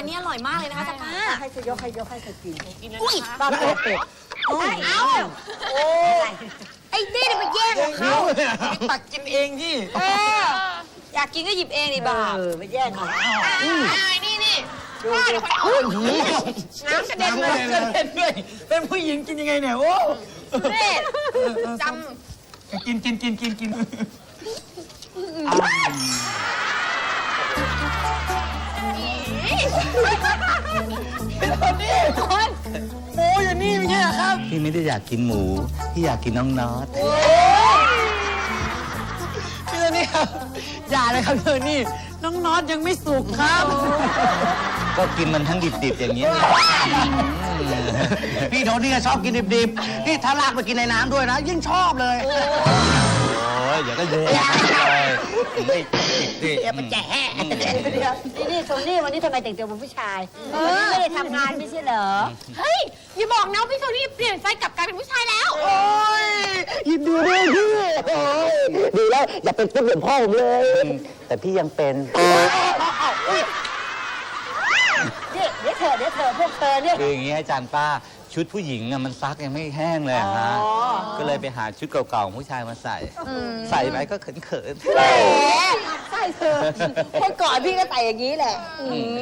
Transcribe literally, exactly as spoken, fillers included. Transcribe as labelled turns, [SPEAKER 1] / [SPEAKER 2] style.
[SPEAKER 1] นี้อร่อยมากเลยนะคะป้า
[SPEAKER 2] ให้จะยกให้ยกให้เธอกิน
[SPEAKER 1] กินแล้ว
[SPEAKER 2] อุ้ย
[SPEAKER 1] นะคะ
[SPEAKER 2] ป้าเป็ดเป็ดโอ้ยเอ้าโอ้ไอ้นี่ไปแย่งกับเขา
[SPEAKER 3] ตักกินเองที่
[SPEAKER 1] เอออยากกินก็หยิบเองดิบ้า
[SPEAKER 2] เออไปแย่งเขา
[SPEAKER 1] นี่นี่
[SPEAKER 2] ดูดู
[SPEAKER 1] น้ำกระเด็นเลย
[SPEAKER 3] กระเด็นด้วยเป็นผู้หญิงกินยังไงเนี่ยโอ้
[SPEAKER 1] เด็ดจ
[SPEAKER 3] กินกินกินกินกินนี่คนหมูอยู่นี่ไม่ใช่เหรอครับ
[SPEAKER 4] พี่ไม่ได้อยากกินหมู พี่อยากกินน้องน็อต
[SPEAKER 3] พี่โทนี่ครับอย่าเลยครับพี่โทนี่น้องน็อตยังไม่สุกครับ
[SPEAKER 4] ก็กินมันทั้งดิบๆอย่างนี้ย
[SPEAKER 5] พี่โทนี่ชอบกินดิบๆนี่ถ้าลากไปกินในน้ำด้วยนะ ยิ่งชอบเลย
[SPEAKER 4] โอ้ยอย่าก็โยนเลยไม่ดิ
[SPEAKER 2] เดี๋ยวมันจะแห่เดี๋ยวเดี๋ยวนี่นี่โทนี่วันนี้ทำไมแต่งตัวเป็นผู้ชายวันนี้ไม่ได้ทำงานไม่ใช่เหรอ
[SPEAKER 1] ำเฮ้ยอย่าบอกนะว่าพี่โทนี่เปลี่ยนใจกลับกลายเป็นผู้ชายแล้ว
[SPEAKER 5] โอ้ยยินดีด้วยพี่โอ้ยดีแล้วอย่าเป็นตุ๊ดเหมือนพ่อผมเลย
[SPEAKER 4] แต่พี่ยังเป็น
[SPEAKER 2] นี่เดี๋ยวเธอเดี๋ยวเธอพวกเธอเนี่ย
[SPEAKER 4] คืออย่างนี้อาจารย์ป้าชุดผู้หญิงอะมันซักยังไม่แห้งเลยอะฮะ
[SPEAKER 2] อ๋อ
[SPEAKER 4] ก็เลยไปหาชุดเก่าๆของผู้ชายมาใส่ ใส่ไปก็เขินๆ
[SPEAKER 2] แหมใช่เธอเมื่อก่อนพี่ก็ใส่อย่างนี้แหละ